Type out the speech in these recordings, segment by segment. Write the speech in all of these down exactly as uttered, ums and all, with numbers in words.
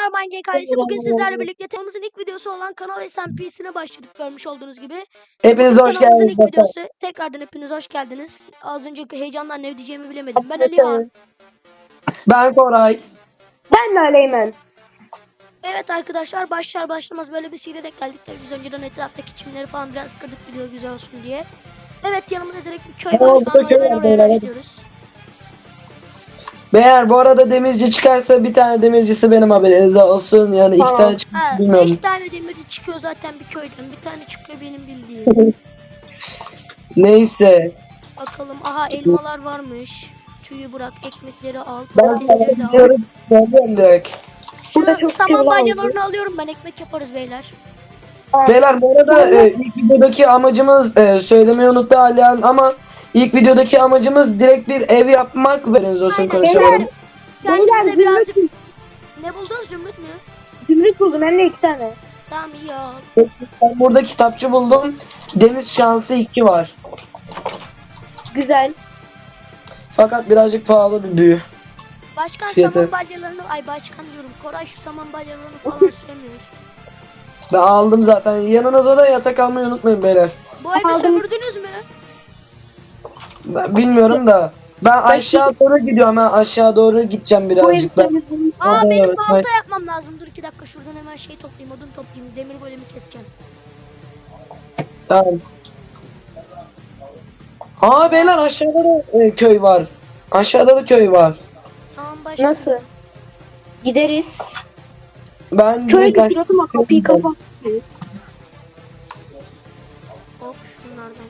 merhaba Genk ailesi. Bugün sizlerle birlikte kanalımızın ilk videosu olan Kanal S M P'sine başladık, görmüş olduğunuz gibi. Hepiniz Bugün hoş kanalımızın geldiniz. ilk videosu. Tekrardan hepiniz hoş geldiniz. Az önce heyecandan ne diyeceğimi bilemedim. Ben Alihan. Ben Koray. Ben de Aleymen. Evet arkadaşlar, başlar başlamaz böyle bir silerek geldik. Tabii biz önceden etraftaki çimleri falan biraz kırdık, video güzel olsun diye. Evet, yanımda direkt bir köy var. Şu an hemen oraya başlıyoruz. Beyler bu arada demirci çıkarsa bir tane demircisi benim, haberiniz olsun. Yani iki Tamam. tane çıkıyor, Ha, bilmiyorum. beş tane demirci çıkıyor zaten bir köyden. Bir tane çıkıyor benim bildiğim. Neyse. Bakalım, aha elmalar varmış. Tüyü bırak, ekmekleri al, Ben patatesleri de al. diyorum. Ben direkt. Burada Şu çok saman güzel balyalarını alıyorum ben, ekmek yaparız beyler. Beyler bu arada e, ilk videodaki amacımız e, söylemeyi unuttu Alihan ama ilk videodaki amacımız direkt bir ev yapmak. Haberiniz olsun, Aynen. konuşalım. Beyler, kendinize Beyler, birazcık... Ne buldunuz, zümrüt mü? Zümrüt buldum hem de iki tane. Tamam, iyi ya. Ben burada kitapçı buldum. Deniz şansı iki var. Güzel. Fakat birazcık pahalı bir büyü. Başkan Fiyatı. saman balyalarını... Ay başkan diyorum. Koray şu saman balyalarını falan süremiyor. Ben aldım zaten. Yanınıza da yatak almayı unutmayın beyler. Bu evi Aldım. sömürdünüz mü? Ben bilmiyorum da. Ben aşağı doğru gidiyorum. Ben aşağı doğru gideceğim Bu birazcık. Ben. evde Aa, Hadi, benim evet, balta yapmam lazım. Dur iki dakika, şuradan hemen şey toplayayım, odun toplayayım. Demir golemi keseceğim. Tamam. Aa beyler, aşağıda da e, köy var. Aşağıda da köy var. Tamam başkan. nasıl? Gideriz. Ben Köye direkt götür ama kapıyı kapat. Hop, şunlardan.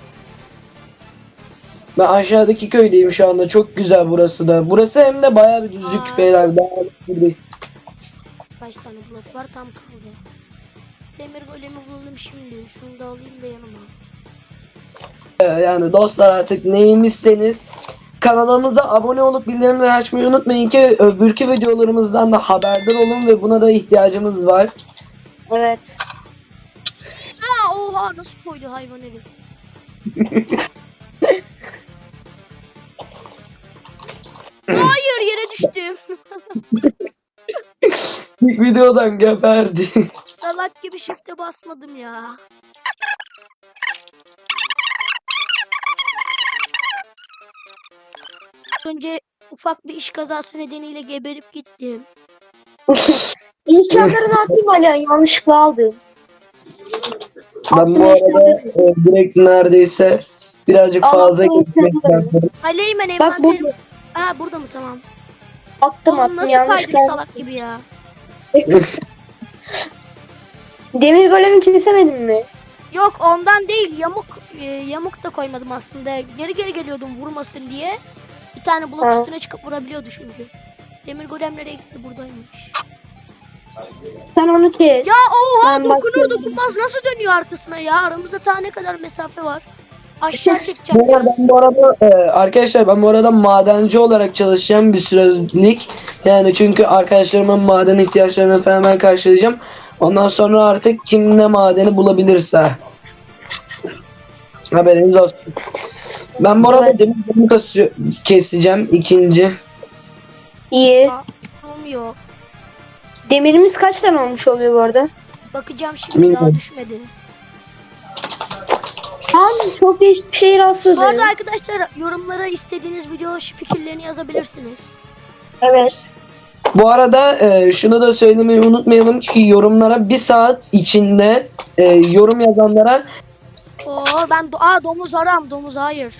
ben aşağıdaki köydeyim şu anda. Çok güzel burası da. Burası hem de bayağı bir düzlük Aa. beyler. Daha bir- Kaç tane blok var, tam kaldı. Demir golemi buldum şimdi. Şunu da alayım da yanıma. e, Yani dostlar, artık neymişseniz kanalımıza abone olup bildirimleri açmayı unutmayın ki öbürkü videolarımızdan da haberdar olun ve buna da ihtiyacımız var. Evet. Aa, oha, nasıl koydu hayvan herif. Hayır, yere düştüm. İlk videodan geberdi. Salak gibi shift'e basmadım ya. Önce ufak bir iş kazası nedeniyle geberip gittim. İnşaatları atayım Alihan, yanlışlıkla aldım. Ben bu arada e, direkt neredeyse birazcık Al, fazla attım gitmek inşaatları. istedim. Aleymen Bak envanterim. burada. Aa, burada mı, tamam. Attım Oğlum attım nasıl kaydık yanlışlıkla. salak gibi ya. Demir golemi kesemedin mi? Yok, ondan değil, yamuk e, yamuk da koymadım aslında. Geri geri geliyordum vurmasın diye. Bir tane blok Ha. üstüne çıkıp vurabiliyordu çünkü. Demir golem nereye gitti, buradaymış. Sen onu kes. Ya oha, Ben dokunur başlıyorum. dokunmaz nasıl dönüyor arkasına ya? Aramızda ta ne kadar mesafe var. Aşağı çekeceğim Bu arada biraz. ben bu arada e, arkadaşlar ben bu arada madenci olarak çalışacağım bir sürelik. Yani çünkü arkadaşlarımın maden ihtiyaçlarını falan ben karşılayacağım. Ondan sonra artık kim ne madeni bulabilirse. Haberiniz olsun. Ben bu arada Evet. demir golemi kasıyor- keseceğim ikinci. İyi. Aa, durum yok. Demirimiz kaç tane olmuş oluyor bu arada? Bakacağım şimdi, daha Bilmiyorum. düşmedi. Abi çok değişik bir şey Bu rastladım. arada arkadaşlar, yorumlara istediğiniz video fikirlerini yazabilirsiniz. Evet. Bu arada e, şunu da söylemeyi unutmayalım ki yorumlara bir saat içinde e, yorum yazanlara Oo, ben do Aa, domuz aram, domuz hayır.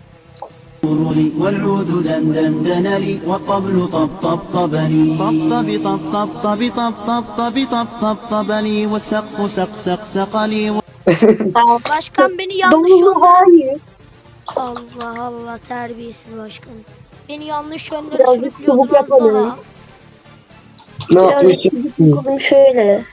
والعود دندن لي والطبل طب طب طبني طب طب طب طب طب طب طب طب طب طبني والسقف سق سق سق لي Başkan beni yanlış Domuzu yönlere... hayır. Allah Allah, terbiyesiz başkan. Beni yanlış yönlere Birazcık sürüklüyordun çubuk az daha. yapalım. ne Birazcık yapmış? çubuk yapalım şöyle.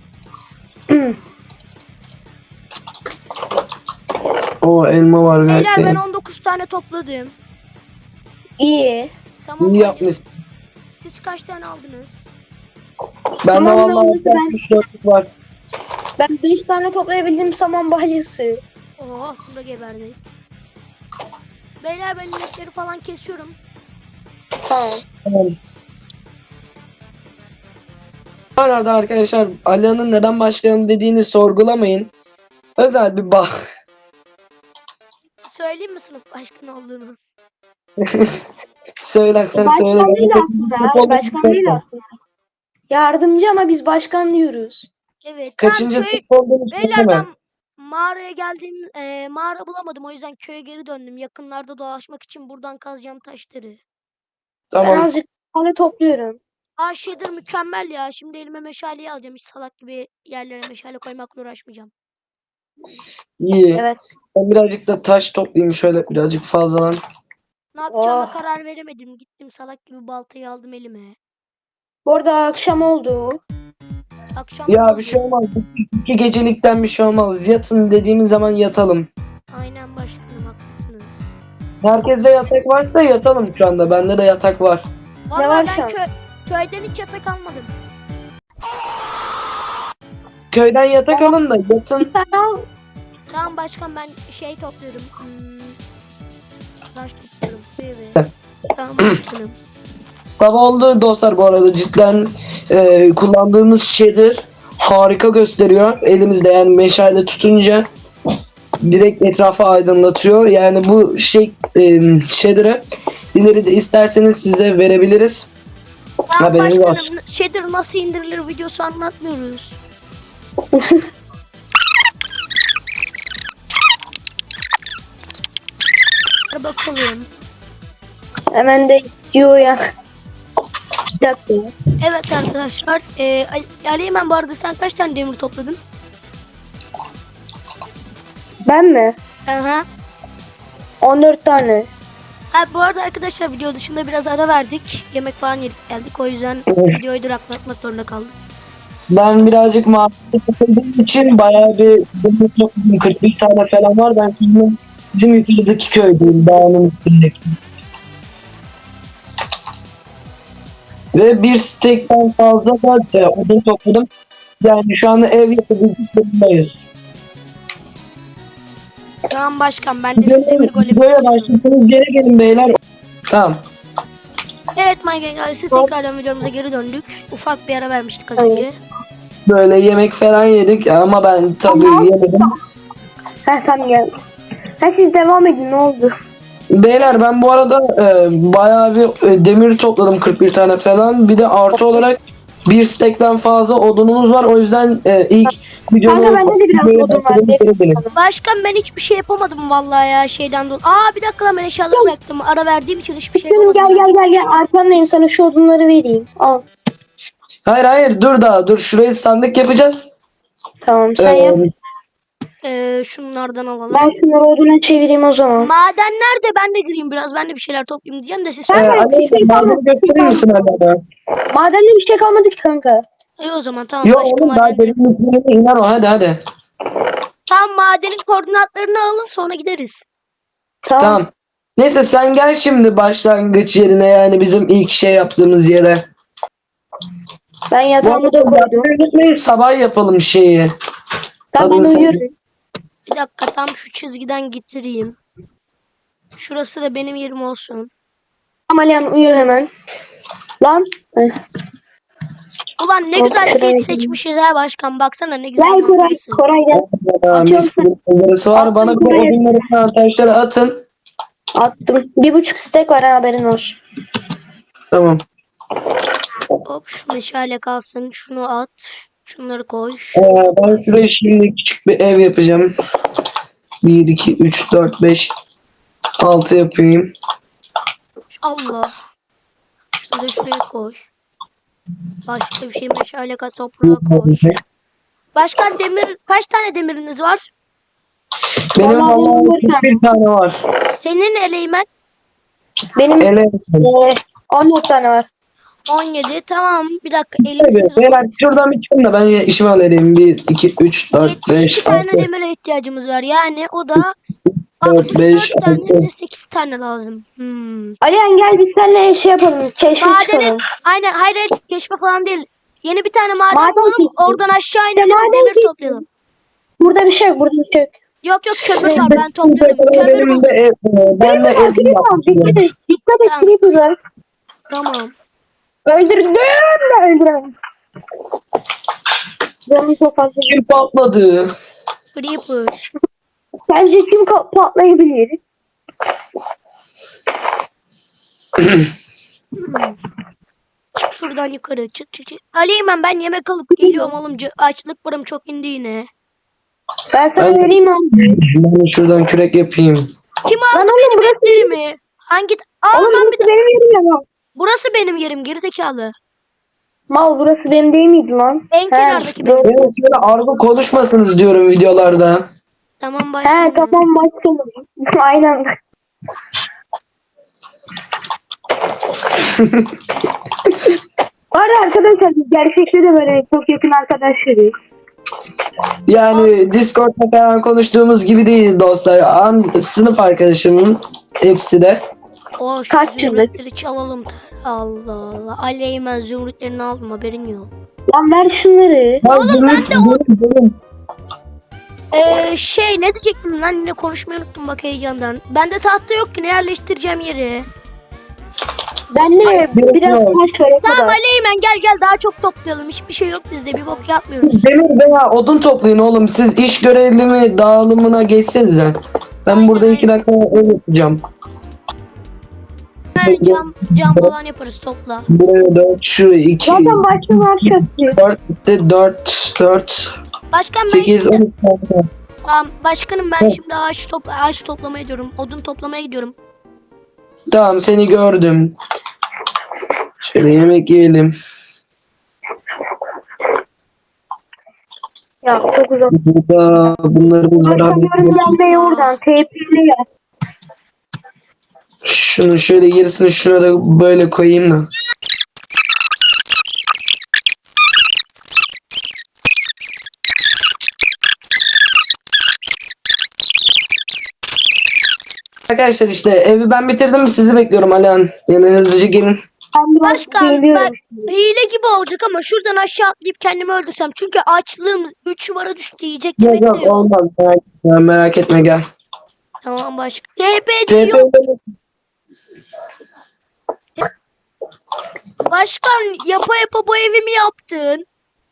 O elma var Beyler, ben gayet. on dokuz tane topladım. İyi. Saman İyi balya- yapmış. Siz kaç tane aldınız? Ben de Tamam, vallahi yalnız ben- altmış dörtlük var. Ben beş tane toplayabildim saman balyası. Oh, bunda geberdi. Beyler, ben inekleri falan kesiyorum. Tamam. Tamam. Bu arada arkadaşlar Ali'nin neden başkanım dediğini sorgulamayın. Özel bir bah. Söyleyeyim mi sınıf başkanı olduğunu? Söylersen söyle. Başkan değil aslında. Başkan değil aslında. Yardımcı ama biz başkan diyoruz. Evet. Kaçıncı Tamam, köy, sınıf olduğunu beyler söyleme. ben mağaraya geldiğim e, mağara bulamadım. O yüzden köye geri döndüm. Yakınlarda dolaşmak için buradan kazacağım taşları. Ben Tamam. azıcık tane topluyorum. Aa shader mükemmel ya. Şimdi elime meşaleyi alacağım. Hiç salak gibi yerlere meşale koymakla uğraşmayacağım. İyi. Evet. Ben birazcık da taş toplayayım şöyle birazcık fazladan. Ne yapacağıma Oh. karar veremedim. Gittim salak gibi baltayı aldım elime. Bu arada akşam oldu. Akşam Ya oldu. bir şey olmaz. İki gecelikten bir şey olmaz. Yatın dediğimiz zaman yatalım. Aynen başkanım, haklısınız. Herkeste yatak varsa yatalım şu anda. Bende de yatak var. Vallahi var ben şu an? kö köyden hiç yatak almadım. Köyden yatak alın da yatın. Tamam. Tamam başkan, ben şey topluyorum. Hmm, taş topluyorum. Evet. Tamam başkanım. Sabah oldu dostlar bu arada cidden e, kullandığımız shader harika gösteriyor. Elimizde yani meşale tutunca direkt etrafı aydınlatıyor. Yani bu şey e, shader'ı ileride isterseniz size verebiliriz. Tamam Haberiniz var. başkanım, shader nasıl indirilir videosu anlatmıyoruz. Hadi bakalım. Hemen de istiyor ya. Bir dakika. Evet arkadaşlar. E, Ali- Ali Eymen, bu arada sen kaç tane demir topladın? Ben mi? Aha. on dört tane. Ha, bu arada arkadaşlar video dışında biraz ara verdik. Yemek falan yedik geldik. O yüzden videoyu duraklatmak zorunda kaldık. Ben birazcık mahallede takıldığım için bayağı bir demir topladım. kırk bir tane falan var. Ben şimdi bizim yukarıdaki köydeyim. Dağının üstündeki. Ve bir stekten fazla da e, odun topladım. Yani şu anda ev yapabilecek durumdayız. Tamam başkan, ben de şu demir Böyle, golemi böyle istiyorum. başladığınız yere gelin beyler. Tamam. Evet Minecraft ailesi, tekrardan videomuza geri döndük. Ufak bir ara vermiştik az Evet. önce. Böyle yemek falan yedik ama ben tabii yemedim. Ha sen gel. Ha siz devam edin, ne oldu? Beyler ben bu arada e, bayağı bir e, demir topladım kırk bir tane falan. Bir de artı olarak bir stekten fazla odunumuz var. O yüzden e, ilk videomu... Kanka bende de biraz videoyu odun var. başladığım yere gelin. Başkan ben hiçbir şey yapamadım vallahi ya, şeyden dolayı. Aa bir dakika lan, ben eşyalarımı bıraktım. Ara verdiğim için hiçbir şey Canım yapamadım. gel gel gel gel. Arkandayım, sana şu odunları vereyim. Al. Hayır hayır dur daha dur. Şurayı sandık yapacağız. Tamam sen Ee, yap. Ee, şunlardan alalım. Ben şunları oduna çevireyim o zaman. Maden nerede? Ben de gireyim biraz. Ben de bir şeyler toplayayım diyeceğim de siz e, Ben de söyleyin. Ali, bir şey madeni kalmadı. gösterir misin hala? Madende bir şey kalmadı ki kanka. İyi o zaman tamam, Yok başka oğlum daha maden. benim yüklerime iner o hadi hadi. Tamam, madenin koordinatlarını alın, sonra gideriz. Tamam. Tamam. Neyse sen gel şimdi başlangıç yerine yani bizim ilk şey yaptığımız yere. Ben Bu yatağımı da arada koydum. unutmayın, sabah yapalım şeyi. Tamam ben Adını sen- uyuyorum. Bir dakika, tam şu çizgiden getireyim. Şurası da benim yerim olsun. Amaliyan uyu hemen. Lan. Eh. Ulan ne Hop, güzel şuraya seed gideyim. seçmişiz ha başkan. Baksana ne güzel Gel Koray. manzarası. Koray gel. Aa, Atıyorum mis gibi manzarası var. Attım Bana bir buraya. odunları falan taşları atın. Attım. Bir buçuk stek var ha, haberin olsun. Tamam. Hop, şu meşale kalsın. Şunu at. Şunları koy. Ee, ben şuraya şimdi küçük bir ev yapacağım. bir, iki, üç, dört, beş, altı yapayım. Allah. Şunu da şuraya koy. Başka bir şey, meşale kat, toprağa koy. Başkan demir, kaç tane demiriniz var? Benim Vallahi benim vallahi bir tane. bir tane var. Senin Eleymen Benim Ele. eh, on dört tane var. on yedi. Tamam bir dakika, elli Evet, sekiz. beyler şuradan bir çıkın da ben ya- işimi halledeyim. bir, iki, üç, dört, yetmiş iki beş, tane altı, demire ihtiyacımız var. Yani o da dört, beş, altmış dört tane altı. de sekiz tane lazım. Hmm. Alihan gel biz seninle şey yapalım. Keşfe Madenin, çıkalım. aynen, hayır hayır, keşfe falan değil. Yeni bir tane maden, Maden bulalım, keşfi. oradan aşağı İşte inelim, maden demir keşfi. toplayalım. Burada bir şey yok. Burada bir şey yok. Yok yok, kömür var, ben topluyorum. Kömür Benim de buldum. ev, ben de Creeper var, ev creeper var. Dikkat yapacağım. et. Dikkat et, Tamam. creeper var. Tamam. Öldürdüm de öldüremedim. Canım çok fazla. Kim patladı? Creeper. Bence kim ka- patlayabilir? Hmm. Çık şuradan yukarı. Çık çık çık. Aleymen ben yemek alıp geliyorum oğlum. C- Açlık param çok indi yine. Ben sana Ben- vereyim abi. Ben şuradan kürek yapayım. Kim aldı Lan oğlum, benim burası etlerimi? Hangi... Aa Oğlum lan burası bir de... benim yerim ya. Burası benim yerim gerizekalı. Mal burası benim değil miydi lan? En He, kenardaki doğru. benim. Evet şöyle argo konuşmasınız diyorum videolarda. Tamam He başlayalım. tamam başkanım. Aynen. Bu arada arkadaşlar biz gerçekte de böyle çok yakın arkadaşlarız. Yani Discord'da falan konuştuğumuz gibi değil dostlar. An sınıf arkadaşımın hepsi de. O şu Kaç yıllık? zümrütleri çalalım. Allah Allah. Aleymen zümrütlerini aldım haberin yok. Lan ver şunları. Oğlum ben de o... Benim- Ee, şey ne diyecektim lan yine konuşmayı unuttum bak heyecandan. Bende tahta yok ki ne yerleştireceğim yeri. Ben de biraz taş şöyle Tamam kadar. Aleymen gel gel daha çok toplayalım. Hiçbir şey yok bizde bir bok yapmıyoruz. Demir veya odun toplayın oğlum. Siz iş görevlimi dağılımına geçsenize. Ben burada iki dakika öyle yapacağım. Yani cam, cam falan yaparız topla. Buraya dört, şuraya iki, Zaten başkalar çöktü. dört, de dört, dört, Başkan ben sekiz, şimdi... on iki. Tamam, başkanım ben Evet. şimdi ağaç, topla ağaç toplamaya gidiyorum. Odun toplamaya gidiyorum. Tamam seni gördüm. Şöyle yemek yiyelim. Ya çok uzak. Burada bunları bunları Başkanıyorum gelmeye oradan. T P'li ya. Şunu şöyle gerisini şuna da böyle koyayım da. Arkadaşlar işte evi ben bitirdim, sizi bekliyorum Alihan. Yani hızlıca gelin. Ben biraz Başkan geliyorum. ben hile gibi olacak ama şuradan aşağı atlayıp kendimi öldürsem. Çünkü açlığım üç numara düştü yiyecek Yok yemek de yok yok. olmaz, merak etme, merak etme gel. Tamam başkan. T P T P yok. Başkan yapa yapa bu evimi yaptın.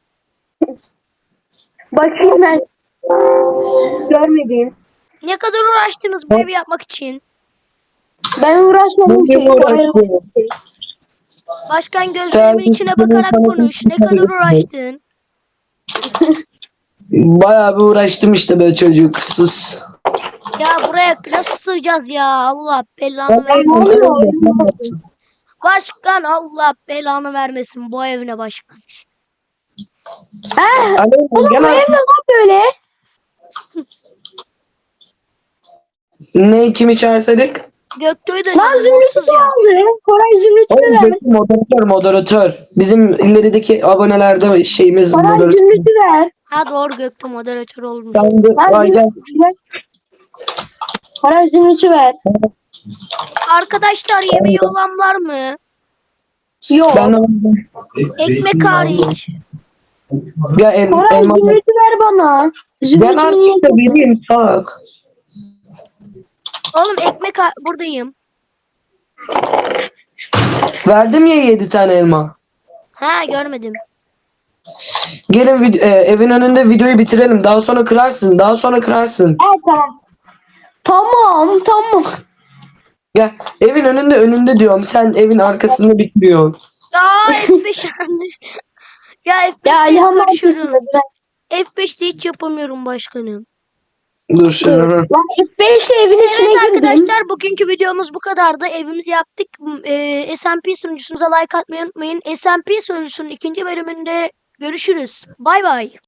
Bakayım ben. Görmediğim. Ne kadar uğraştınız bu evi yapmak için? Ben uğraşmadım ki. Bugün Oraya- uğraştım. Başkan gözlerimin Sen- içine bakarak konuş. Ne kadar uğraştın? Bayağı bir uğraştım işte be çocuk, sus. Ya buraya nasıl sığacağız ya? Allah belanı Ne versin. oluyor? Başkan Allah belanı vermesin bu evine başkan. He? Alihan, Oğlum gel bu abi. ev ne lan böyle? Ne kimi çağırsaydık? Göktuğ'u da Lan canım zümrütü mutsuz ya. aldı. Koray zümrütü Oğlum ver. Göktuğ moderatör moderatör. Bizim ilerideki abonelerde şeyimiz Koray moderatör. zümrütü ver. Ha doğru Göktuğ moderatör olmuş. Sen de Lan ay gel. zümrütü ver. Koray zümrütü ver. Arkadaşlar yemeği olan var mı? Yok. Ben de Ekmek hariç. gel el, Koray elma. zümrütü ver bana. Ben Zümrütü niye? artık da vereyim salak. Oğlum ekmek ha- buradayım. Verdim ya yedi tane elma. Ha görmedim. Gelin vid- e, evin önünde videoyu bitirelim. Daha sonra kırarsın. Daha sonra kırarsın. Evet tamam. Tamam tamam. Gel. Evin önünde önünde diyorum. Sen evin arkasında bitiriyorsun. Aa F beş yanlış. Ya F beşte Ya hep İlhan karışıyorum. arkasında. F beşte hiç yapamıyorum başkanım. Dur şöyle. Lan F beş ile evin içine Evet girdim. arkadaşlar bugünkü videomuz bu kadardı. Evimizi yaptık. Ee, S M P sunucusunuza like atmayı unutmayın. S M P sunucusunun ikinci bölümünde görüşürüz. Bay bay.